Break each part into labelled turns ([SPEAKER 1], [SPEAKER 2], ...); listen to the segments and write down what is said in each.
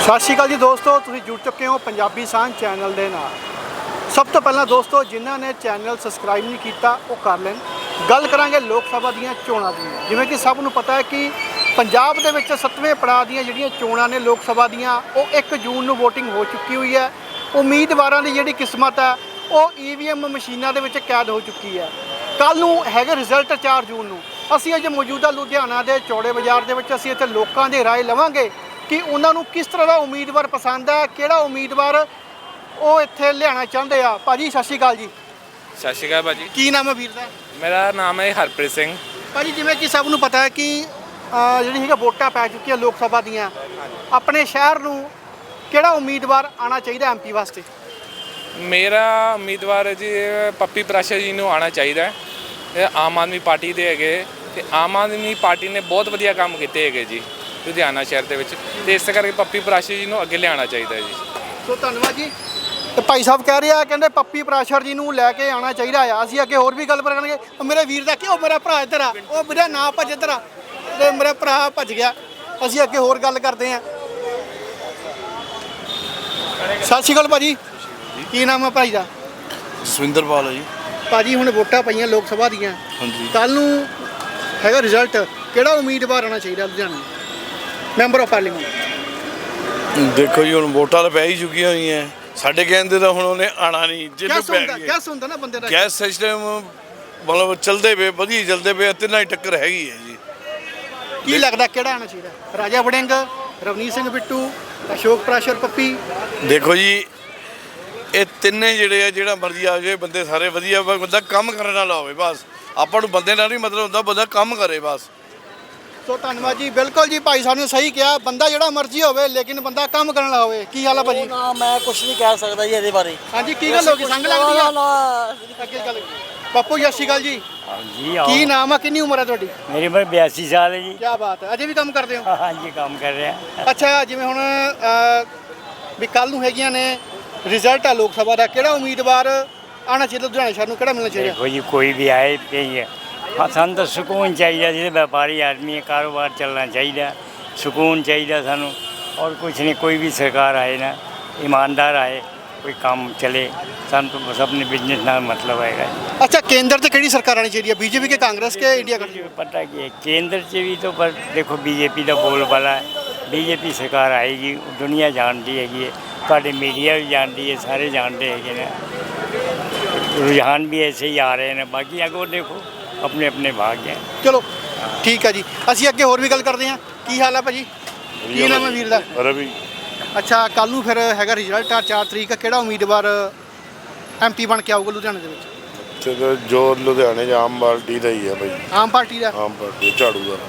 [SPEAKER 1] ਸਤਿ ਸ਼੍ਰੀ ਅਕਾਲ ਜੀ ਦੋਸਤੋ, ਤੁਸੀਂ ਜੁੜ ਚੁੱਕੇ ਹੋ ਪੰਜਾਬੀ ਸਾਂਝ ਚੈਨਲ ਦੇ ਨਾਲ। ਸਭ ਤੋਂ ਪਹਿਲਾਂ ਦੋਸਤੋ, ਜਿਨ੍ਹਾਂ ਨੇ ਚੈਨਲ ਸਬਸਕ੍ਰਾਈਬ ਨਹੀਂ ਕੀਤਾ ਉਹ ਕਰ ਲੈਣ। ਗੱਲ ਕਰਾਂਗੇ ਲੋਕ ਸਭਾ ਦੀਆਂ ਚੋਣਾਂ ਦੀ। ਜਿਵੇਂ ਕਿ ਸਭ ਨੂੰ ਪਤਾ ਹੈ ਕਿ ਪੰਜਾਬ ਦੇ ਵਿੱਚ 7ਵੇਂ ਪੜਾਅ ਦੀਆਂ ਜਿਹੜੀਆਂ ਚੋਣਾਂ ਨੇ ਲੋਕ ਸਭਾ ਦੀਆਂ, ਉਹ 1 ਜੂਨ ਨੂੰ VOTING ਹੋ ਚੁੱਕੀ ਹੋਈ ਹੈ। ਉਮੀਦਵਾਰਾਂ ਦੀ ਜਿਹੜੀ ਕਿਸਮਤ ਹੈ ਉਹ EVM ਮਸ਼ੀਨਾਂ ਦੇ ਵਿੱਚ ਕੈਦ ਹੋ ਚੁੱਕੀ ਹੈ। ਕੱਲ੍ਹ ਨੂੰ ਹੈਗਾ ਰਿਜ਼ਲਟ 4 ਜੂਨ ਨੂੰ। ਅਸੀਂ ਅੱਜ ਮੌਜੂਦਾ ਲੁਧਿਆਣਾ ਦੇ ਚੌੜੇ ਬਾਜ਼ਾਰ ਦੇ ਵਿੱਚ ਅਸੀਂ ਇੱਥੇ ਲੋਕਾਂ ਦੀ ਰਾਏ ਲਵਾਂਗੇ ਕਿ ਉਹਨਾਂ ਨੂੰ ਕਿਸ ਤਰ੍ਹਾਂ ਦਾ ਉਮੀਦਵਾਰ ਪਸੰਦ ਹੈ, ਕਿਹੜਾ ਉਮੀਦਵਾਰ ਉਹ ਇੱਥੇ ਲਿਆਉਣਾ ਚਾਹੁੰਦੇ ਆ। ਭਾਜੀ ਸਤਿ ਸ਼੍ਰੀ ਅਕਾਲ ਜੀ।
[SPEAKER 2] ਸਤਿ ਸ਼੍ਰੀ ਅਕਾਲ ਭਾਜੀ।
[SPEAKER 1] ਕੀ ਨਾਮ ਹੈ ਵੀਰ ਦਾ?
[SPEAKER 2] ਮੇਰਾ ਨਾਮ ਹੈ ਹਰਪ੍ਰੀਤ ਸਿੰਘ।
[SPEAKER 1] ਭਾਜੀ ਜਿਵੇਂ ਕਿ ਸਭ ਨੂੰ ਪਤਾ ਹੈ ਕਿ ਜਿਹੜੀ ਹੈਗਾ ਵੋਟਾਂ ਪੈ ਚੁੱਕੀਆਂ ਲੋਕ ਸਭਾ ਦੀਆਂ, ਆਪਣੇ ਸ਼ਹਿਰ ਨੂੰ ਕਿਹੜਾ ਉਮੀਦਵਾਰ ਆਉਣਾ ਚਾਹੀਦਾ MP ਵਾਸਤੇ?
[SPEAKER 2] ਮੇਰਾ ਉਮੀਦਵਾਰ ਜੀ ਪੱਪੀ ਪ੍ਰਾਸ਼ਰ ਜੀ ਨੂੰ ਆਉਣਾ ਚਾਹੀਦਾ ਹੈ। ਇਹ ਆਮ ਆਦਮੀ ਪਾਰਟੀ ਦੇ ਹੈਗੇ ਅਤੇ ਆਮ ਆਦਮੀ ਪਾਰਟੀ ਨੇ ਬਹੁਤ ਵਧੀਆ ਕੰਮ ਕੀਤੇ ਹੈਗੇ ਜੀ ਲੁਧਿਆਣਾ ਸ਼ਹਿਰ ਦੇ ਵਿੱਚ, ਅਤੇ ਇਸ ਕਰਕੇ ਪੱਪੀ ਪ੍ਰਾਸ਼ਰ ਜੀ ਨੂੰ ਅੱਗੇ ਲਿਆਉਣਾ ਚਾਹੀਦਾ ਜੀ।
[SPEAKER 1] ਸੋ ਧੰਨਵਾਦ ਜੀ। ਤੇ ਭਾਈ ਸਾਹਿਬ ਕਹਿ ਰਹੇ ਆ, ਕਹਿੰਦੇ ਪੱਪੀ ਪ੍ਰਾਸ਼ਰ ਜੀ ਨੂੰ ਲੈ ਕੇ ਆਉਣਾ ਚਾਹੀਦਾ ਆ। ਅਸੀਂ ਅੱਗੇ ਹੋਰ ਵੀ ਗੱਲ ਕਰਾਂਗੇ। ਮੇਰੇ ਵੀਰ ਦਾ ਕਿ ਉਹ ਮੇਰਾ ਭਰਾ ਇੱਧਰ ਆ, ਉਹ ਮੇਰਾ ਨਾਂ ਭੱਜ ਇੱਧਰ ਆ, ਤੇ ਮੇਰਾ ਭਰਾ ਭੱਜ ਗਿਆ। ਅਸੀਂ ਅੱਗੇ ਹੋਰ ਗੱਲ ਕਰਦੇ ਹਾਂ। ਸਤਿ ਸ਼੍ਰੀ ਅਕਾਲ ਭਾਜੀ। ਕੀ ਨਾਮ ਹੈ ਭਾਈ ਦਾ?
[SPEAKER 3] ਜਸਵਿੰਦਰਪਾਲ ਹੈ ਜੀ।
[SPEAKER 1] ਭਾਜੀ ਹੁਣ ਵੋਟਾਂ ਪਈਆਂ ਲੋਕ ਸਭਾ ਦੀਆਂ,
[SPEAKER 3] ਹਾਂਜੀ।
[SPEAKER 1] ਕੱਲ੍ਹ ਨੂੰ ਹੈਗਾ ਰਿਜ਼ਲਟ, ਕਿਹੜਾ ਉਮੀਦਵਾਰ ਆਉਣਾ ਚਾਹੀਦਾ ਲੁਧਿਆਣਾ ਮੈਂਬਰ ਆਫ ਪਾਰਲੀਮੈਂਟ?
[SPEAKER 3] ਦੇਖੋ ਜੀ, ਹੁਣ ਵੋਟਾਂ ਤਾਂ ਪੈ ਹੀ ਚੁੱਕੀਆਂ ਹੋਈਆਂ। ਸਾਡੇ ਕਹਿੰਦੇ ਤਾਂ ਹੁਣ ਉਹਨੇ ਆਣਾ ਨਹੀਂ, ਜਿਹਨੂੰ ਪੈ ਗਈ
[SPEAKER 1] ਗੈਸ ਹੁੰਦਾ ਨਾ ਬੰਦੇ ਦਾ।
[SPEAKER 3] ਗੈਸ ਸਿਸਟਮ ਮਤਲਬ ਚੱਲਦੇ ਪਏ, ਵਧੀਆ ਚੱਲਦੇ ਪਏ, ਤਿੰਨਾਂ ਹੀ ਟੱਕਰ ਹੈਗੀ ਹੈ ਜੀ।
[SPEAKER 1] ਕੀ ਲੱਗਦਾ ਕਿਹੜਾ ਆਉਣਾ ਚਾਹੀਦਾ? ਰਾਜਾ ਵੜਿੰਗ, ਰਵਨੀਤ ਸਿੰਘ ਬਿੱਟੂ, ਅਸ਼ੋਕ ਪ੍ਰਾਸ਼ਰ, ਪੱਪੀ?
[SPEAKER 3] ਦੇਖੋ ਜੀ, ਇਹ ਤਿੰਨੇ ਜਿਹੜੇ ਆ, ਜਿਹੜਾ ਮਰਜ਼ੀ ਆ ਜਾਵੇ, ਬੰਦੇ ਸਾਰੇ ਵਧੀਆ, ਬੰਦਾ ਕੰਮ ਕਰਨ ਵਾਲਾ ਹੋਵੇ ਬਸ। ਆਪਾਂ ਨੂੰ ਬੰਦੇ ਨਾਲ ਨਹੀਂ ਮਤਲਬ ਹੁੰਦਾ, ਬੰਦਾ ਕੰਮ ਕਰੇ ਬਸ।
[SPEAKER 1] ਸੋ ਧੰਨਵਾਦ ਜੀ। ਬਿਲਕੁਲ ਜੀ, ਭਾਈ ਸਾਹਿਬ ਨੇ ਸਹੀ ਕਿਹਾ, ਬੰਦਾ ਜਿਹੜਾ ਮਰਜ਼ੀ ਹੋਵੇ ਲੇਕਿਨ ਬੰਦਾ ਕੰਮ ਕਰਨ ਵਾਲਾ ਹੋਵੇ। ਕੀ ਹਾਲ ਆ ਭਾਜੀ?
[SPEAKER 4] ਨਾ ਮੈਂ ਕੁਝ ਨਹੀਂ ਕਹਿ ਸਕਦਾ ਜੀ ਇਹਦੇ ਬਾਰੇ।
[SPEAKER 1] ਹਾਂਜੀ, ਕੀ ਗੱਲ ਹੋ ਗਈ? ਸੰਗ ਲੱਗਦੀ ਆ? ਅੱਗੇ ਗੱਲ। ਬਾਪੂ ਸਤਿ ਸ਼੍ਰੀ ਅਕਾਲ ਜੀ।
[SPEAKER 4] ਹਾਂਜੀ
[SPEAKER 1] ਕੀ ਨਾਮ ਆ, ਕਿੰਨੀ ਉਮਰ ਹੈ ਤੁਹਾਡੀ?
[SPEAKER 4] ਮੇਰੀ ਉਮਰ 82 ਸਾਲ ਹੈ ਜੀ।
[SPEAKER 1] ਕੀ ਬਾਤ ਹੈ, ਅਜੇ ਵੀ ਕੰਮ ਕਰਦੇ ਹੋ?
[SPEAKER 4] ਹਾਂਜੀ, ਕੰਮ ਕਰ ਰਿਹਾ।
[SPEAKER 1] ਅੱਛਾ, ਜਿਵੇਂ ਹੁਣ ਵੀ ਕੱਲ੍ਹ ਨੂੰ ਹੈਗੀਆਂ ਨੇ, ਰਿਜ਼ਲਟ ਆ ਲੋਕ ਸਭਾ ਦਾ, ਕਿਹੜਾ ਉਮੀਦਵਾਰ ਆਉਣਾ ਚਾਹੀਦਾ ਲੁਧਿਆਣਾ ਸ਼ਹਿਰ ਨੂੰ, ਕਿਹੜਾ ਮਿਲਣਾ ਚਾਹੀਦਾ?
[SPEAKER 4] ਦੇਖੋ ਜੀ, ਕੋਈ ਵੀ ਆਏ ਪਈ ਹੈ, ਹਾਂ ਸਾਨੂੰ ਤਾਂ ਸਕੂਨ ਚਾਹੀਦਾ। ਜਿਹੜੇ ਵਪਾਰੀ ਆਦਮੀ ਹੈ, ਕਾਰੋਬਾਰ ਚੱਲਣਾ ਚਾਹੀਦਾ, ਸਕੂਨ ਚਾਹੀਦਾ ਸਾਨੂੰ। ਔਰ ਕੁਛ ਨਹੀਂ, ਕੋਈ ਵੀ ਸਰਕਾਰ ਆਏ ਨਾ, ਈਮਾਨਦਾਰ ਆਏ, ਕੋਈ ਕੰਮ ਚਲੇ, ਸਾਨੂੰ ਤਾਂ ਬਸ ਆਪਣੇ ਬਿਜ਼ਨਸ ਨਾਲ ਮਤਲਬ ਹੈਗਾ ਜੀ।
[SPEAKER 1] ਅੱਛਾ, ਕੇਂਦਰ 'ਚ ਕਿਹੜੀ ਸਰਕਾਰ ਆਣੀ ਚਾਹੀਦੀ ਹੈ? बीजेपी के कांग्रेस के इंडिया गठबंधन?
[SPEAKER 4] पता कि है, केंद्र से भी तो पर देखो बीजेपी का बोल वाला है। बीजेपी सरकार आएगी, दुनिया जानती हैगी, ਤੁਹਾਡੇ मीडिया भी जानती है, सारे जानते हैं ना। रुझान भी ऐसे ही आ रहे हैं। बाकी अगो देखो अपने अपने भाग्य हैं।
[SPEAKER 1] ਚਲੋ ਠੀਕ ਹੈ ਜੀ। ਅਸੀਂ ਅੱਗੇ ਹੋਰ ਵੀ ਗੱਲ ਕਰਦੇ ਹਾਂ। ਕੀ ਹਾਲ ਹੈ ਭਾਜੀ? ਕੀ ਨਾਮ ਹੈ ਵੀਰ ਦਾ?
[SPEAKER 3] ਰਵੀ।
[SPEAKER 1] ਅੱਛਾ, ਕੱਲ੍ਹ ਨੂੰ ਫਿਰ ਹੈਗਾ ਰਿਜ਼ਲਟ ਆ 4 ਤਰੀਕ। ਕਿਹੜਾ ਉਮੀਦਵਾਰ MP ਬਣ ਕੇ ਆਊਗਾ ਲੁਧਿਆਣੇ ਦੇ ਵਿੱਚ?
[SPEAKER 5] ਤੇ ਜੋ ਲੁਧਿਆਣੇ 'ਚ ਆਮ ਪਾਰਟੀ ਦਾ ਹੀ ਹੈ ਭਾਈ।
[SPEAKER 1] ਆਮ ਪਾਰਟੀ ਦਾ?
[SPEAKER 5] ਆਮ ਪਾਰਟੀ ਝਾੜੂ ਦਾ।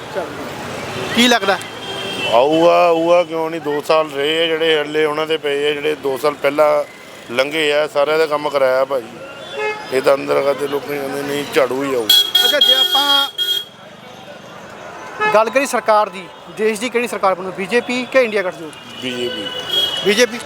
[SPEAKER 1] ਕੀ ਲੱਗਦਾ
[SPEAKER 5] ਆਊਗਾ ਕਿਉਂ ਨਹੀਂ? 2 ਸਾਲ ਰਹੇ ਆ ਜਿਹੜੇ ਹੱਲੇ ਉਹਨਾਂ ਦੇ ਪਏ ਆ, ਜਿਹੜੇ 2 ਸਾਲ ਪਹਿਲਾਂ ਲੰਘੇ ਆ, ਸਾਰਿਆਂ ਦਾ ਕੰਮ ਕਰਾਇਆ ਭਾਈ। ਇਹ ਤਾਂ ਅੰਦਰ ਕਰਦੇ ਲੋਕ ਕਹਿੰਦੇ ਨਹੀਂ ਝਾੜੂ ਹੀ ਆਊ।
[SPEAKER 1] ਅੱਛਾ, ਜੇ ਆਪਾਂ ਗੱਲ ਕਰੀ ਸਰਕਾਰ ਦੀ, ਦੇਸ਼ ਦੀ ਕਿਹੜੀ ਸਰਕਾਰ ਬਣੂ, BJP ਕਿ ਇੰਡੀਆ ਗਠਜੋੜ? BJP।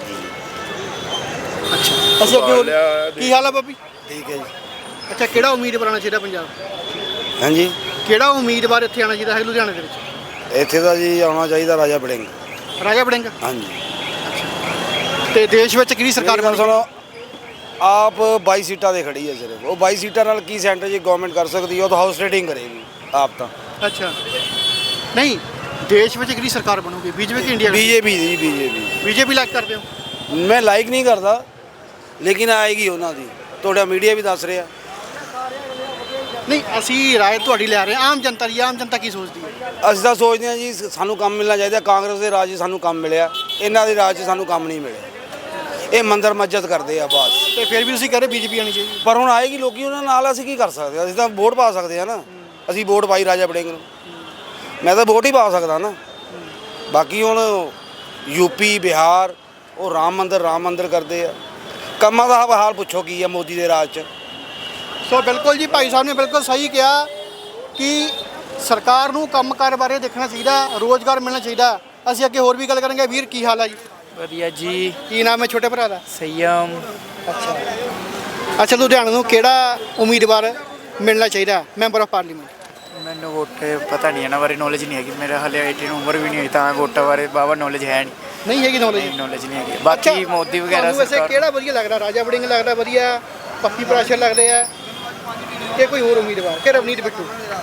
[SPEAKER 1] ਅੱਛਾ, ਅਸੀਂ ਅੱਗੇ ਹੋਰ। ਕੀ ਹਾਲ ਹੈ ਬਾਬੀ?
[SPEAKER 6] ਠੀਕ ਹੈ ਜੀ।
[SPEAKER 1] ਅੱਛਾ, ਕਿਹੜਾ ਉਮੀਦਵਾਰ ਆਉਣਾ ਚਾਹੀਦਾ ਪੰਜਾਬ?
[SPEAKER 6] ਹਾਂਜੀ,
[SPEAKER 1] ਕਿਹੜਾ ਉਮੀਦਵਾਰ ਇੱਥੇ ਆਉਣਾ ਚਾਹੀਦਾ ਹੈ ਲੁਧਿਆਣੇ ਦੇ ਵਿੱਚ?
[SPEAKER 6] ਇੱਥੇ ਤਾਂ ਜੀ ਆਉਣਾ ਚਾਹੀਦਾ ਰਾਜਾ ਵੜਿੰਗ।
[SPEAKER 1] ਰਾਜਾ ਵੜਿੰਗ?
[SPEAKER 6] ਹਾਂਜੀ।
[SPEAKER 1] ਤੇ ਦੇਸ਼ ਵਿੱਚ ਕਿਹੜੀ ਸਰਕਾਰ
[SPEAKER 6] ਗੱਲ
[SPEAKER 1] ਬਣੂ?
[SPEAKER 6] ਸੁਣੋ, ਆਪ 22 ਸੀਟਾਂ ਦੇ ਖੜੀ ਹੈ ਸਿਰਫ। ਉਹ 22 ਸੀਟਾਂ ਨਾਲ ਕੀ ਸੈਂਟਰ 'ਚ ਗਵਰਨਮੈਂਟ ਕਰ ਸਕਦੀ ਹੈ? ਉਹ ਤਾਂ ਹਾਊਸ ਰੇਟਿੰਗ ਕਰੇਗੀ ਆਪ ਤਾਂ।
[SPEAKER 1] ਅੱਛਾ, ਨਹੀਂ, ਦੇਸ਼ ਵਿੱਚ ਕਿਹੜੀ ਸਰਕਾਰ ਬਣੂਗੀ, BJP ਕਿ ਇੰਡੀਆ?
[SPEAKER 6] BJP ਦੀ।
[SPEAKER 1] BJP ਲਾਈਕ ਕਰਦੇ ਹੋ?
[SPEAKER 6] ਮੈਂ ਲਾਈਕ ਨਹੀਂ ਕਰਦਾ, ਲੇਕਿਨ ਆਏਗੀ ਉਹਨਾਂ ਦੀ। ਤੁਹਾਡਾ ਮੀਡੀਆ ਵੀ ਦੱਸ ਰਿਹਾ।
[SPEAKER 1] ਨਹੀਂ, ਅਸੀਂ ਰਾਏ ਤੁਹਾਡੀ ਲੈ ਰਹੇ ਹਾਂ, ਆਮ ਜਨਤਾ ਦੀ। ਆਮ ਜਨਤਾ ਕੀ ਸੋਚਦੀ ਹੈ?
[SPEAKER 6] ਅਸੀਂ ਤਾਂ ਸੋਚਦੇ ਹਾਂ ਜੀ ਸਾਨੂੰ ਕੰਮ ਮਿਲਣਾ ਚਾਹੀਦਾ। ਕਾਂਗਰਸ ਦੇ ਰਾਜ 'ਚ ਸਾਨੂੰ ਕੰਮ ਮਿਲਿਆ, ਇਹਨਾਂ ਦੇ ਰਾਜ 'ਚ ਸਾਨੂੰ ਕੰਮ ਨਹੀਂ ਮਿਲਿਆ। ਇਹ ਮੰਦਰ ਮਸਜਿਦ ਕਰਦੇ ਆ ਬਸ।
[SPEAKER 1] ਤੇ ਫਿਰ ਵੀ ਤੁਸੀਂ ਕਹਿ ਰਹੇ BJP ਆਉਣੀ ਚਾਹੀਦੀ?
[SPEAKER 6] ਪਰ ਹੁਣ ਆਏਗੀ ਲੋਕੀ ਉਹਨਾਂ ਨਾਲ, ਅਸੀਂ ਕੀ ਕਰ ਸਕਦੇ ਹਾਂ? ਅਸੀਂ ਤਾਂ ਵੋਟ ਪਾ ਸਕਦੇ ਹਾਂ ਨਾ। ਅਸੀਂ ਵੋਟ ਪਾਈ ਰਾਜਾ ਵੜਿੰਗ ਨੂੰ, ਮੈਂ ਤਾਂ ਵੋਟ ਹੀ ਪਾ ਸਕਦਾ ਨਾ। ਬਾਕੀ ਹੁਣ UP ਬਿਹਾਰ ਉਹ ਰਾਮ ਮੰਦਰ ਕਰਦੇ ਆ। ਕੰਮਾਂ ਦਾ ਹਾਲ ਪੁੱਛੋ ਕੀ ਆ ਮੋਦੀ ਦੇ ਰਾਜ 'ਚ।
[SPEAKER 1] ਸੋ ਬਿਲਕੁਲ ਜੀ, ਭਾਈ ਸਾਹਿਬ ਨੇ ਬਿਲਕੁਲ ਸਹੀ ਕਿਹਾ ਕਿ ਸਰਕਾਰ ਨੂੰ ਕੰਮਕਾਰ ਬਾਰੇ ਦੇਖਣਾ ਚਾਹੀਦਾ, ਰੋਜ਼ਗਾਰ ਮਿਲਣਾ ਚਾਹੀਦਾ। ਅਸੀਂ ਅੱਗੇ ਹੋਰ ਵੀ ਗੱਲ ਕਰਾਂਗੇ। ਵੀਰ ਕੀ ਹਾਲ ਹੈ ਜੀ?
[SPEAKER 4] ਵਧੀਆ ਜੀ।
[SPEAKER 1] ਕੀ ਨਾਮ ਹੈ ਛੋਟੇ ਭਰਾ ਦਾ?
[SPEAKER 4] ਸੰਯਮ।
[SPEAKER 1] ਅੱਛਾ, ਲੁਧਿਆਣਾ ਨੂੰ ਕਿਹੜਾ ਉਮੀਦਵਾਰ ਮਿਲਣਾ ਚਾਹੀਦਾ ਮੈਂਬਰ ਆਫ ਪਾਰਲੀਮੈਂਟ?
[SPEAKER 4] ਮੈਨੂੰ ਵੋਟ ਪਤਾ ਨਹੀਂ, ਇਹਨਾਂ ਬਾਰੇ ਨੌਲੇਜ ਨਹੀਂ ਹੈਗੀ। ਮੇਰਾ ਹਾਲੇ 18 ਉਮਰ ਵੀ ਨਹੀਂ ਹੋਈ, ਤਾਂ ਵੋਟਾਂ ਬਾਰੇ ਬਾਵਾ ਨੌਲੇਜ ਹੈ ਨਹੀਂ।
[SPEAKER 1] ਨਹੀਂ ਹੈਗੀ ਨੌਲੇਜ?
[SPEAKER 7] ਨੌਲੇਜ ਨਹੀਂ ਹੈਗੀ। ਬਾਕੀ ਮੋਦੀ ਵਗੈਰਾ
[SPEAKER 1] ਤੁਹਾਨੂੰ ਵੈਸੇ
[SPEAKER 7] ਸਰਕਾਰ
[SPEAKER 1] ਕਿਹੜਾ ਵਧੀਆ ਲੱਗਦਾ? ਰਾਜਾ ਵੜਿੰਗ ਲੱਗਦਾ ਵਧੀਆ, ਪੱਪੀ ਪ੍ਰਾਸ਼ਰ ਲੱਗਦੇ ਆ, ਕਿ ਕੋਈ ਹੋਰ ਉਮੀਦਵਾਰ, ਕਿ ਰਵਨੀਤ ਬਿੱਟੂ?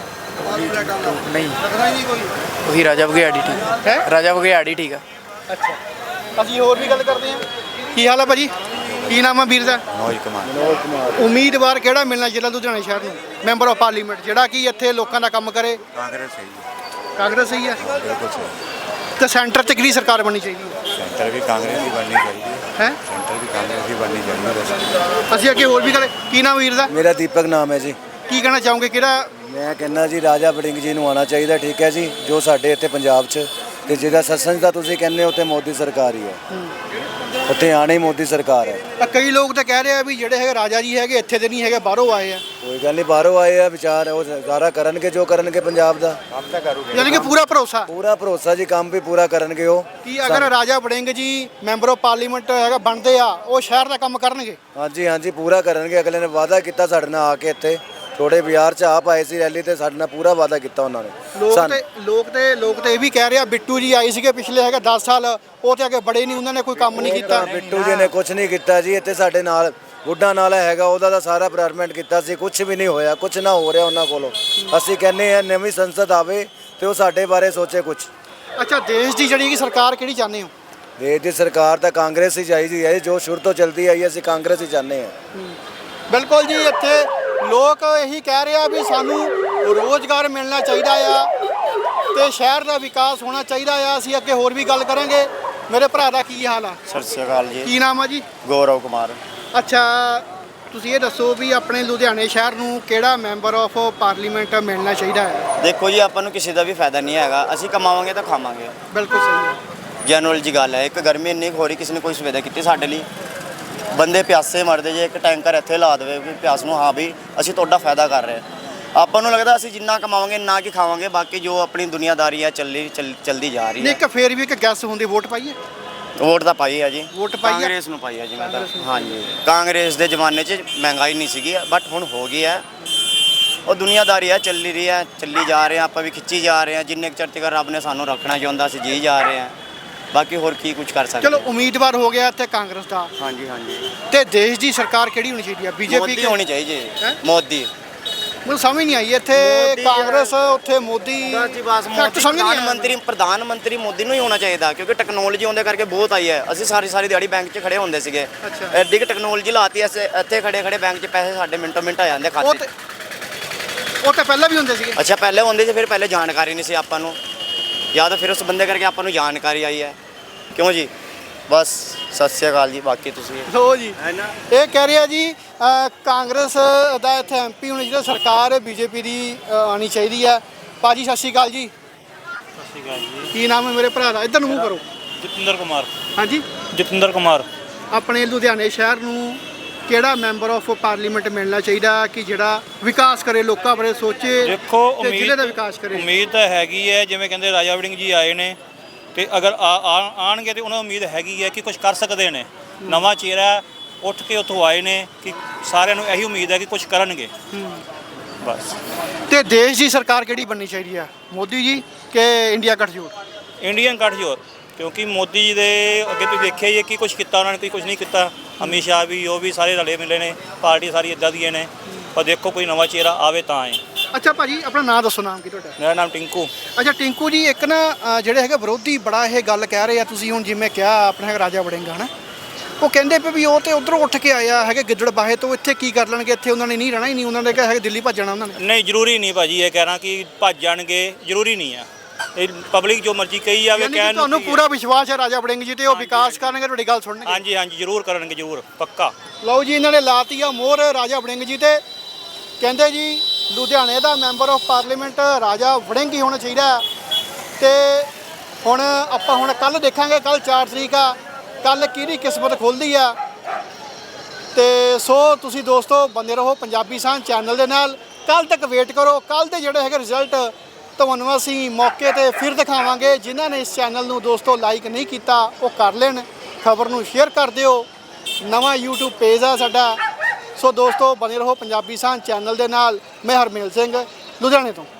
[SPEAKER 7] ਨਹੀਂ,
[SPEAKER 1] ਲੱਗਦਾ ਹੀ ਨਹੀਂ ਕੋਈ।
[SPEAKER 7] ਉਹੀ ਰਾਜਾ ਬਘਿਆੜੀ ਠੀਕ
[SPEAKER 1] ਹੈ।
[SPEAKER 7] ਰਾਜਾ ਬਘਿਆੜੀ ਠੀਕ ਆ।
[SPEAKER 1] ਅੱਛਾ, ਅਸੀਂ ਹੋਰ ਵੀ ਗੱਲ ਕਰਦੇ ਹਾਂ। ਕੀ ਹਾਲ ਆ ਭਾਜੀ? ਕੀ ਨਾਮ ਆ ਵੀਰ ਦਾ?
[SPEAKER 5] ਮਨੋਜ ਕੁਮਾਰ।
[SPEAKER 1] ਉਮੀਦਵਾਰ ਕਿਹੜਾ ਮਿਲਣਾ ਜਿਹੜਾ ਲੁਧਿਆਣਾ ਸ਼ਹਿਰ ਨੂੰ ਮੈਂਬਰ ਆਫ ਪਾਰਲੀਮੈਂਟ, ਜਿਹੜਾ ਕਿ ਇੱਥੇ ਲੋਕਾਂ ਦਾ ਕੰਮ ਕਰੇ?
[SPEAKER 5] ਕਾਂਗਰਸ ਸਹੀ ਹੈ,
[SPEAKER 1] ਕਾਂਗਰਸ ਸਹੀ ਹੈ।
[SPEAKER 5] ਬਿਲਕੁਲ ਸਹੀ।
[SPEAKER 1] ਤੇ ਸੈਂਟਰ 'ਚ ਕਿਹੜੀ ਸਰਕਾਰ ਬਣਨੀ ਚਾਹੀਦੀ ਹੈ?
[SPEAKER 5] ਸੈਂਟਰ ਵੀ ਕਾਂਗਰਸ ਦੀ ਬਣਨੀ ਚਾਹੀਦੀ ਹੈ।
[SPEAKER 1] ਹੈ।
[SPEAKER 5] ਸੈਂਟਰ ਵੀ ਕਾਂਗਰਸ ਦੀ ਬਣਨੀ ਚਾਹੀਦੀ ਹੈ।
[SPEAKER 1] ਅਸੀਂ ਅੱਗੇ ਹੋਰ ਵੀ ਕਰੇ। ਕੀ ਨਾਮ ਵੀਰ ਦਾ?
[SPEAKER 8] ਮੇਰਾ ਦੀਪਕ ਨਾਮ ਹੈ ਜੀ।
[SPEAKER 1] ਕੀ ਕਹਿਣਾ ਚਾਹੋਗੇ? ਕਿਹੜਾ?
[SPEAKER 8] ਮੈਂ ਕਹਿੰਦਾ ਜੀ ਰਾਜਾ ਵੜਿੰਗ ਜੀ ਨੂੰ ਆਉਣਾ ਚਾਹੀਦਾ, ਠੀਕ ਹੈ ਜੀ, ਜੋ ਸਾਡੇ ਇੱਥੇ ਪੰਜਾਬ 'ਚ, ਤੇ ਜਿਹੜਾ ਸੱਸੰਜ ਦਾ ਤੁਸੀਂ ਕਹਿੰਦੇ ਹੋ, ਉੱਥੇ ਮੋਦੀ ਸਰਕਾਰ ਹੀ ਹੈ, ਉੱਥੇ ਆਣੀ ਹੀ ਮੋਦੀ ਸਰਕਾਰ ਹੈ।
[SPEAKER 1] ਕਈ ਲੋਕ ਤਾਂ ਕਹਿ ਰਹੇ ਆ ਵੀ ਜਿਹੜੇ ਹੈਗੇ ਰਾਜਾ ਜੀ ਹੈਗੇ ਇੱਥੇ ਦੇ ਨਹੀਂ ਹੈਗੇ, ਬਾਹਰੋਂ ਆਏ ਆ।
[SPEAKER 8] ਕੋਈ ਗੱਲ ਨਹੀਂ, ਬਾਹਰੋਂ ਆਏ ਆ ਵਿਚਾਰ, ਉਹ ਸਾਰਾ ਕਰਨਗੇ ਜੋ ਕਰਨਗੇ ਪੰਜਾਬ ਦਾ।
[SPEAKER 1] ਯਾਨੀ ਕਿ ਪੂਰਾ ਭਰੋਸਾ?
[SPEAKER 8] ਪੂਰਾ ਭਰੋਸਾ ਜੀ, ਕੰਮ ਵੀ ਪੂਰਾ ਕਰਨਗੇ ਉਹ।
[SPEAKER 1] ਕੀ ਅਗਰ ਰਾਜਾ ਵੜਿੰਗ ਜੀ ਮੈਂਬਰ ਆਫ ਪਾਰਲੀਮੈਂਟ ਹੈਗਾ ਬਣਦੇ ਆ, ਉਹ ਸ਼ਹਿਰ ਦਾ ਕੰਮ ਕਰਨਗੇ?
[SPEAKER 8] ਹਾਂਜੀ ਹਾਂਜੀ, ਪੂਰਾ ਕਰਨਗੇ। ਅਗਲੇ ਨੇ ਵਾਅਦਾ ਕੀਤਾ ਸਾਡੇ ਨਾਲ ਆ ਕੇ ਇੱਥੇ ਥੋੜੇ ਬਾਜ਼ਾਰ 'ਚ ਆਪ ਆਏ ਸੀ ਰੈਲੀ ਤੇ, ਸਾਡੇ ਨਾਲ ਪੂਰਾ ਵਾਅਦਾ ਕੀਤਾ ਉਹਨਾਂ ਨੇ।
[SPEAKER 1] ਲੋਕ ਤੇ ਇਹ ਵੀ ਕਹਿ ਰਹੇ ਆ, ਬਿੱਟੂ ਜੀ ਆਏ ਸੀਗੇ ਪਿਛਲੇ ਹੈਗਾ 10 ਸਾਲ, ਉਹ ਤੇ ਅੱਗੇ ਬੜੇ ਨਹੀਂ, ਉਹਨਾਂ ਨੇ ਕੋਈ ਕੰਮ ਨਹੀਂ ਕੀਤਾ।
[SPEAKER 8] ਬਿੱਟੂ ਜੀ ਨੇ ਕੁਝ ਨਹੀਂ ਕੀਤਾ ਜੀ। ਇੱਥੇ ਸਾਡੇ ਨਾਲ ਬੁੱਢਾ ਨਾਲਾ ਹੈਗਾ, ਉਹਦਾ ਤਾਂ ਸਾਰਾ ਪ੍ਰੋਗਰਾਮ ਕੀਤਾ ਸੀ, ਕੁਝ ਵੀ ਨਹੀਂ ਹੋਇਆ, ਕੁਝ ਨਾ ਹੋ ਰਿਹਾ ਉਹਨਾਂ ਕੋਲੋਂ। ਅਸੀਂ ਕਹਿੰਦੇ ਆ ਨਵੀਂ ਸੰਸਦ ਆਵੇ ਤੇ ਉਹ ਸਾਡੇ ਬਾਰੇ ਸੋਚੇ ਕੁਝ।
[SPEAKER 1] ਅੱਛਾ, ਦੇਸ਼ ਦੀ ਜਿਹੜੀ ਕਿ ਸਰਕਾਰ ਕਿਹੜੀ ਚਾਹੁੰਦੇ ਹੋ?
[SPEAKER 8] ਦੇਸ਼ ਦੀ ਸਰਕਾਰ ਤਾਂ ਕਾਂਗਰਸ ਹੀ ਚਾਹੀਦੀ ਹੈ, ਜੋ ਸ਼ੁਰੂ ਤੋਂ ਚੱਲਦੀ ਆਈ, ਅਸੀਂ ਕਾਂਗਰਸ ਹੀ ਚਾਹੁੰਦੇ ਹਾਂ।
[SPEAKER 1] ਬਿਲਕੁਲ ਜੀ, ਇੱਥੇ ਲੋਕ ਇਹੀ ਕਹਿ ਰਹੇ ਆ ਵੀ ਸਾਨੂੰ ਰੋਜ਼ਗਾਰ ਮਿਲਣਾ ਚਾਹੀਦਾ ਆ ਤੇ ਸ਼ਹਿਰ ਦਾ ਵਿਕਾਸ ਹੋਣਾ ਚਾਹੀਦਾ ਆ। ਅਸੀਂ ਅੱਗੇ ਹੋਰ ਵੀ ਗੱਲ ਕਰਾਂਗੇ। ਮੇਰੇ ਭਰਾ ਦਾ ਕੀ ਹਾਲ ਆ?
[SPEAKER 9] ਸਤਿ ਸ਼੍ਰੀ ਅਕਾਲ ਜੀ।
[SPEAKER 1] ਕੀ ਨਾਮ ਆ ਜੀ?
[SPEAKER 9] ਗੌਰਵ ਕੁਮਾਰ।
[SPEAKER 1] ਅੱਛਾ, ਤੁਸੀਂ ਇਹ ਦੱਸੋ ਵੀ ਆਪਣੇ ਲੁਧਿਆਣੇ ਸ਼ਹਿਰ ਨੂੰ ਕਿਹੜਾ ਮੈਂਬਰ ਆਫ ਪਾਰਲੀਮੈਂਟ ਮਿਲਣਾ ਚਾਹੀਦਾ ਹੈ?
[SPEAKER 9] ਦੇਖੋ ਜੀ, ਆਪਾਂ ਨੂੰ ਕਿਸੇ ਦਾ ਵੀ ਫਾਇਦਾ ਨਹੀਂ ਹੈਗਾ, ਅਸੀਂ ਕਮਾਵਾਂਗੇ ਤਾਂ ਖਾਵਾਂਗੇ।
[SPEAKER 1] ਬਿਲਕੁਲ ਸਹੀ ਹੈ।
[SPEAKER 9] ਜਨਰਲ ਜੀ ਗੱਲ ਹੈ। ਇੱਕ ਗਰਮੀ ਇੰਨੀ ਹੋ ਰਹੀ, ਕਿਸੇ ਨੇ ਕੋਈ ਸੁਵਿਧਾ ਕੀਤੀ ਸਾਡੇ ਲਈ? ਬੰਦੇ ਪਿਆਸੇ ਮਰਦੇ ਜੇ, ਇੱਕ ਟੈਂਕਰ ਇੱਥੇ ਲਾ ਦੇਵੇ ਵੀ ਪਿਆਸ ਨੂੰ, ਹਾਂ ਵੀ ਅਸੀਂ ਤੁਹਾਡਾ ਫਾਇਦਾ ਕਰ ਰਹੇ। ਆਪਾਂ ਨੂੰ ਲੱਗਦਾ ਅਸੀਂ ਜਿੰਨਾ ਕਮਾਵਾਂਗੇ ਨਾ ਕੀ ਖਾਵਾਂਗੇ, ਬਾਕੀ ਜੋ ਆਪਣੀ ਦੁਨੀਆਦਾਰੀ ਹੈ ਚੱਲਦੀ ਜਾ ਰਹੀ
[SPEAKER 1] ਨਹੀਂ,
[SPEAKER 9] ਹੈ।
[SPEAKER 1] ਇੱਕ ਫੇਰ ਵੀ ਇੱਕ ਗੈਸ ਹੁੰਦੀ, ਵੋਟ ਪਾਈਏ?
[SPEAKER 9] ਵੋਟ ਤਾਂ ਪਾਈ ਹੈ ਜੀ,
[SPEAKER 1] ਵੋਟ ਪਾਈ ਹੈ?
[SPEAKER 9] ਕਾਂਗਰਸ ਨੂੰ ਪਾਈ ਹੈ ਜੀ ਮੈਂ ਤਾਂ। ਹਾਂਜੀ, ਕਾਂਗਰਸ ਦੇ ਜ਼ਮਾਨੇ 'ਚ ਮਹਿੰਗਾਈ ਨਹੀਂ ਸੀਗੀ, ਬਟ ਹੁਣ ਹੋ ਗਈ ਹੈ। ਉਹ ਦੁਨੀਆਦਾਰੀ ਹੈ, ਚੱਲੀ ਰਹੀ ਹੈ, ਚੱਲੀ ਜਾ ਰਹੇ ਹਾਂ, ਆਪਾਂ ਵੀ ਖਿੱਚੀ ਜਾ ਰਹੇ ਹਾਂ। ਜਿੰਨੇ ਕੁ ਚਿਰ ਤੱਕ ਰੱਬ ਨੇ ਸਾਨੂੰ ਰੱਖਣਾ ਚਾਹੁੰਦਾ, ਅਸੀਂ ਜੀ ਜਾ ਰਹੇ ਹਾਂ। ਬਾਕੀ ਹੋਰ ਕੀ ਕੁਝ ਕਰ ਸਕਦੇ।
[SPEAKER 1] ਚਲੋ, ਉਮੀਦਵਾਰ ਹੋ ਗਿਆ ਇੱਥੇ ਕਾਂਗਰਸ ਦਾ।
[SPEAKER 9] ਹਾਂਜੀ ਹਾਂਜੀ।
[SPEAKER 1] ਤੇ ਦੇਸ਼ ਦੀ ਸਰਕਾਰ ਕਿਹੜੀ ਹੋਣੀ ਚਾਹੀਦੀ ਆ? ਬੀਜੇਪੀ
[SPEAKER 9] ਮੋਦੀ ਹੋਣੀ ਚਾਹੀਦੀ
[SPEAKER 1] ਹੈਂ?
[SPEAKER 9] ਹੈ। ਮੋਦੀ।
[SPEAKER 1] ਮੈਨੂੰ ਸਮਝ ਨਹੀਂ ਆਈ, ਇੱਥੇ
[SPEAKER 9] ਮੋਦੀ
[SPEAKER 1] ਕਾਂਗਰਸ, ਉੱਥੇ ਮੋਦੀ।
[SPEAKER 9] ਮੋਦੀ ਪ੍ਰਧਾਨ ਮੰਤਰੀ ਮੋਦੀ ਨੂੰ ਹੀ ਹੋਣਾ ਚਾਹੀਦਾ, ਕਿਉਂਕਿ ਟੈਕਨੋਲੋਜੀ ਆਉਂਦੇ ਕਰਕੇ ਬਹੁਤ ਆਈ ਹੈ। ਅਸੀਂ ਸਾਰੀ ਦਿਹਾੜੀ ਬੈਂਕ 'ਚ ਖੜੇ ਹੁੰਦੇ ਸੀਗੇ,
[SPEAKER 1] ਅੱਛਾ।
[SPEAKER 9] ਐਡੀ ਕਿ ਟੈਕਨੋਲੋਜੀ ਲਾਤੀ ਐ, ਇੱਥੇ ਖੜੇ ਬੈਂਕ 'ਚ ਪੈਸੇ ਸਾਡੇ ਮਿੰਟੋ ਮਿੰਟ ਆ ਜਾਂਦੇ ਖਾਤੇ।
[SPEAKER 1] ਉਹ ਤਾਂ ਪਹਿਲਾਂ ਵੀ ਹੁੰਦੇ ਸੀਗੇ।
[SPEAKER 9] ਅੱਛਾ, ਪਹਿਲੇ ਹੁੰਦੇ ਸੀ, ਫਿਰ ਪਹਿਲੇ ਜਾਣਕਾਰੀ ਨਹੀਂ ਸੀ ਆਪਾਂ ਨੂੰ, ਜਾਂ ਤਾਂ ਫਿਰ ਉਸ ਬੰਦੇ ਕਰਕੇ ਆਪਾਂ ਨੂੰ ਜਾਣਕਾਰੀ ਆਈ ਹੈ। ਕਿਉਂ ਜੀ? ਬਸ ਸਤਿ ਸ਼੍ਰੀ ਅਕਾਲ ਜੀ। ਬਾਕੀ ਤੁਸੀਂ
[SPEAKER 1] ਲੋ ਜੀ, ਇਹ ਕਹਿ ਰਿਹਾ ਜੀ ਕਾਂਗਰਸ ਦਾ ਇੱਥੇ ਐਮਪੀ ਹੋਣੀ ਚਾਹੀਦਾ, ਸਰਕਾਰ ਬੀਜੇਪੀ ਦੀ ਆਣੀ ਚਾਹੀਦੀ ਹੈ। ਭਾਜੀ ਸਤਿ ਸ਼੍ਰੀ ਅਕਾਲ ਜੀ।
[SPEAKER 10] ਸਤਿ ਸ਼੍ਰੀ ਅਕਾਲ ਜੀ।
[SPEAKER 1] ਕੀ ਨਾਮ ਹੈ ਮੇਰੇ ਭਰਾ ਦਾ? ਇੱਧਰ ਨੂੰ ਮੂੰਹ ਕਰੋ।
[SPEAKER 10] ਜਤਿੰਦਰ ਕੁਮਾਰ।
[SPEAKER 1] ਹਾਂਜੀ,
[SPEAKER 10] ਜਤਿੰਦਰ ਕੁਮਾਰ।
[SPEAKER 1] ਆਪਣੇ ਲੁਧਿਆਣੇ ਸ਼ਹਿਰ ਨੂੰ ਕਿਹੜਾ ਮੈਂਬਰ ਆਫ ਪਾਰਲੀਮੈਂਟ ਮਿਲਣਾ ਚਾਹੀਦਾ ਕਿ ਜਿਹੜਾ ਵਿਕਾਸ ਕਰੇ, ਲੋਕਾਂ ਬਾਰੇ ਸੋਚੇ,
[SPEAKER 10] ਦੇਖੋ,
[SPEAKER 1] ਤੇ ਜ਼ਿਲ੍ਹੇ ਦਾ ਵਿਕਾਸ ਕਰੇ?
[SPEAKER 10] ਉਮੀਦ ਤਾਂ ਹੈਗੀ ਹੈ, ਜਿਵੇਂ ਕਹਿੰਦੇ ਰਾਜਾ ਵੜਿੰਗ ਜੀ ਆਏ ਨੇ, ਤੇ ਅਗਰ ਆਣਗੇ ਤੇ ਉਹਨਾਂ ਨੂੰ ਉਮੀਦ ਹੈਗੀ ਹੈ ਕਿ ਕੁਝ ਕਰ ਸਕਦੇ ਨੇ। ਨਵਾਂ ਚਿਹਰਾ ਉੱਠ ਕੇ ਉੱਥੋਂ ਆਏ ਨੇ, ਕਿ ਸਾਰਿਆਂ ਨੂੰ ਇਹੀ ਉਮੀਦ ਹੈ ਕਿ ਕੁਝ ਕਰਨਗੇ ਬਸ।
[SPEAKER 1] ਤੇ ਦੇਸ਼ ਦੀ ਸਰਕਾਰ ਕਿਹੜੀ ਬਣਨੀ ਚਾਹੀਦੀ ਹੈ? ਮੋਦੀ ਜੀ ਕਿ ਇੰਡੀਆ ਗੱਠਜੋੜ?
[SPEAKER 10] ਇੰਡੀਅਨ ਗੱਠਜੋੜ, ਕਿਉਂਕਿ ਮੋਦੀ ਜੀ ਦੇ ਅੱਗੇ ਤੁਸੀਂ ਦੇਖਿਆ ਹੀ ਹੈ ਕਿ ਕੁਝ ਕੀਤਾ ਉਹਨਾਂ ਨੇ, ਕੁਝ ਨਹੀਂ ਕੀਤਾ। ਅਮਿਤ ਸ਼ਾਹ ਵੀ, ਉਹ ਵੀ ਸਾਰੇ ਰਲੇ ਮਿਲੇ ਨੇ, ਪਾਰਟੀ ਸਾਰੀ ਇੱਦਾਂ ਦੀਆਂ ਨੇ। ਪਰ ਦੇਖੋ, ਕੋਈ ਨਵਾਂ ਚਿਹਰਾ ਆਵੇ ਤਾਂ ਆਏ।
[SPEAKER 1] ਅੱਛਾ ਭਾਜੀ, ਆਪਣਾ ਨਾਮ ਦੱਸੋ। ਨਾਮ ਕੀ ਤੁਹਾਡਾ?
[SPEAKER 10] ਮੇਰਾ ਨਾਮ ਟਿੰਕੂ।
[SPEAKER 1] ਅੱਛਾ ਟਿੰਕੂ ਜੀ, ਇੱਕ ਨਾ ਜਿਹੜੇ ਹੈਗੇ ਵਿਰੋਧੀ ਬੜਾ ਇਹ ਗੱਲ ਕਹਿ ਰਹੇ ਆ, ਤੁਸੀਂ ਹੁਣ ਜਿਵੇਂ ਕਿਹਾ ਆਪਣਾ ਹੈਗਾ ਰਾਜਾ ਵੜਿੰਗ ਹੈ ਨਾ, ਉਹ ਕਹਿੰਦੇ ਪਏ ਵੀ ਉਹ ਤੇ ਉਧਰੋਂ ਉੱਠ ਕੇ ਆਇਆ ਹੈਗੇ ਗਿੱਦੜ ਬਾਹੇ ਤੋਂ, ਇੱਥੇ ਕੀ ਕਰ ਲੈਣਗੇ? ਇੱਥੇ ਉਹਨਾਂ ਨੇ ਨਹੀਂ ਰਹਿਣਾ ਹੀ ਨਹੀਂ, ਉਹਨਾਂ ਨੇ ਕਿਹਾ ਹੈ ਦਿੱਲੀ ਭੱਜਣਾ ਉਹਨਾਂ ਨੇ।
[SPEAKER 10] ਨਹੀਂ, ਜ਼ਰੂਰੀ ਨਹੀਂ ਭਾਜੀ ਇਹ ਕਹਿਣਾ ਕਿ ਭੱਜ ਜਾਣਗੇ, ਜ਼ਰੂਰੀ ਨਹੀਂ ਆ। ਇਹ ਪਬਲਿਕ ਜੋ ਮਰਜ਼ੀ ਕਹੀ ਜਾਵੇ, ਕਹਿਣ ਨੂੰ
[SPEAKER 1] ਤੁਹਾਨੂੰ ਪੂਰਾ ਵਿਸ਼ਵਾਸ ਹੈ ਰਾਜਾ ਵੜਿੰਗ ਜੀ ਤੇ, ਉਹ ਵਿਕਾਸ ਕਰਨਗੇ, ਤੁਹਾਡੀ ਗੱਲ ਸੁਣਨਗੇ?
[SPEAKER 10] ਹਾਂਜੀ ਹਾਂਜੀ, ਜ਼ਰੂਰ ਕਰਨਗੇ, ਜ਼ਰੂਰ, ਪੱਕਾ।
[SPEAKER 1] ਲਓ ਜੀ, ਇਹਨਾਂ ਨੇ ਲਾਤੀ ਆ ਮੋਹਰ ਰਾਜਾ ਵੜਿੰਗ ਜੀ ਤੇ, ਕਹਿੰਦੇ ਜੀ ਲੁਧਿਆਣੇ ਦਾ ਮੈਂਬਰ ਆਫ ਪਾਰਲੀਮੈਂਟ ਰਾਜਾ ਵੜਿੰਗ ਹੀ ਹੋਣਾ ਚਾਹੀਦਾ। ਤੇ ਹੁਣ ਆਪਾਂ ਹੁਣ ਕੱਲ ਦੇਖਾਂਗੇ, ਕੱਲ 4 ਤਰੀਕ ਆ, ਕੱਲ ਕਿਹਦੀ ਕਿਸਮਤ ਖੁੱਲ੍ਹਦੀ ਆ। ਤੇ ਸੋ ਤੁਸੀਂ ਦੋਸਤੋ ਬਣੇ ਰਹੋ ਪੰਜਾਬੀ ਸਾਂਝ ਚੈਨਲ ਦੇ ਨਾਲ। ਕੱਲ ਤੱਕ ਵੇਟ ਕਰੋ, ਕੱਲ ਦੇ ਜਿਹੜੇ ਹੈਗੇ ਰਿਜ਼ਲਟ ਤੁਹਾਨੂੰ ਅਸੀਂ ਮੌਕੇ ਤੇ ਫਿਰ ਦਿਖਾਵਾਂਗੇ। ਜਿਨ੍ਹਾਂ ਨੇ ਇਸ ਚੈਨਲ ਨੂੰ ਦੋਸਤੋ ਲਾਈਕ ਨਹੀਂ ਕੀਤਾ, ਉਹ ਕਰ ਲੈਣ, ਖਬਰ ਨੂੰ ਸ਼ੇਅਰ ਕਰ ਦਿਓ। ਨਵਾਂ YouTube ਪੇਜ ਆ ਸਾਡਾ। ਸੋ ਦੋਸਤੋ ਬਣੇ ਰਹੋ ਪੰਜਾਬੀ ਸਾਂਝ ਚੈਨਲ ਦੇ ਨਾਲ। ਮੈਂ ਹਰਮੇਲ ਸਿੰਘ, ਲੁਧਿਆਣੇ ਤੋਂ।